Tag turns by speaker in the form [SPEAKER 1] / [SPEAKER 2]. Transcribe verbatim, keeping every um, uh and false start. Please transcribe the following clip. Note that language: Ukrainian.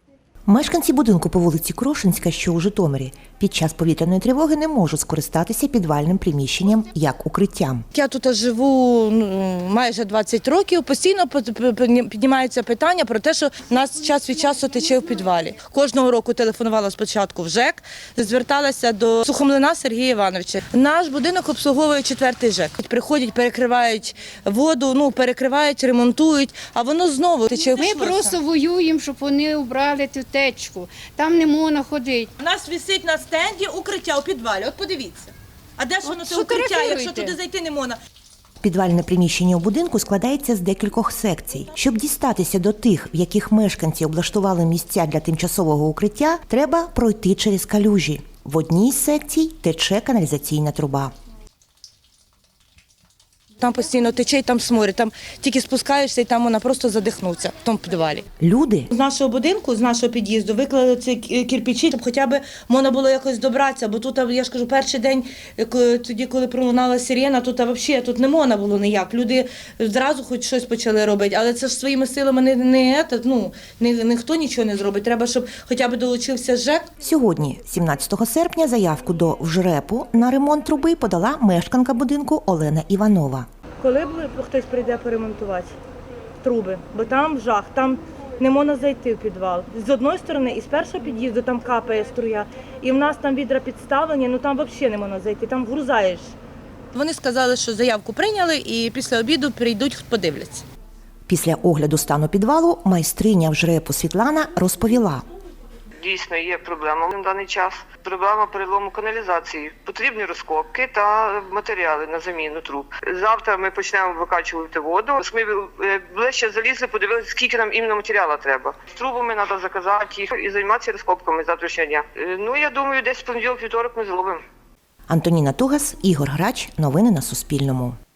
[SPEAKER 1] Мешканці будинку по вулиці Крошинська, що у Житомирі, під час повітряної тривоги не можуть скористатися підвальним приміщенням як укриттям.
[SPEAKER 2] Я тут живу ну, майже двадцять років, постійно піднімається питання про те, що в нас час від часу тече в підвалі. Кожного року телефонувала спочатку в ЖЕК, зверталася до Сухомлина Сергія Івановича. Наш будинок обслуговує четвертий ЖЕК. Приходять, перекривають воду, ну, перекривають, ремонтують, а воно знову тече.
[SPEAKER 3] Ми просто воюємо, щоб вони убрали ту течку. Там не можна ходити.
[SPEAKER 2] У нас висить на стенді укриття у підвалі. От подивіться. А де ж воно це укриття, якщо туди зайти не можна?
[SPEAKER 1] Підвальне приміщення у будинку складається з декількох секцій. Щоб дістатися до тих, в яких мешканці облаштували місця для тимчасового укриття, треба пройти через калюжі. В одній з секцій тече каналізаційна труба.
[SPEAKER 2] Там постійно тече, і там сморід, там тільки спускаєшся, і там вона просто задихнуться в тому підвалі.
[SPEAKER 1] Люди
[SPEAKER 2] З нашого будинку, з нашого під'їзду виклали ці кирпичі, щоб хоча б можна було якось добратися, бо тут, я ж кажу, перший день, тоді, коли пролунала сирена, тут взагалі тут не можна було ніяк. Люди зразу хоч щось почали робити, але це ж своїми силами не, не, ну, не, ніхто нічого не зробить. Треба, щоб хоча б долучився ЖЕК.
[SPEAKER 1] Сьогодні, сімнадцятого серпня, заявку до ВЖРЕПу на ремонт труби подала мешканка будинку Олена Іванова.
[SPEAKER 2] Коли хтось прийде поремонтувати труби, бо там жах, там не можна зайти в підвал. З одної сторони, і з першого під'їзду там капає струя, і в нас там відра підставлені, ну там взагалі не можна зайти, там вгрузаєш. Вони сказали, що заявку прийняли і після обіду прийдуть, подивляться.
[SPEAKER 1] Після огляду стану підвалу майстриня ВЖРЕПу Світлана розповіла.
[SPEAKER 4] Дійсно є проблема на даний час. Проблема перелому каналізації. Потрібні розкопки та матеріали на заміну труб. Завтра ми почнемо викачувати воду. Ми ближче залізли, подивилися, скільки нам іменно матеріалу треба. З трубами треба заказати їх і займатися розкопками завтрашнього дня. Ну, я думаю, десь в понеділок-вівторок ми зробимо.
[SPEAKER 1] Антоніна Тугас, Ігор Грач. Новини на Суспільному.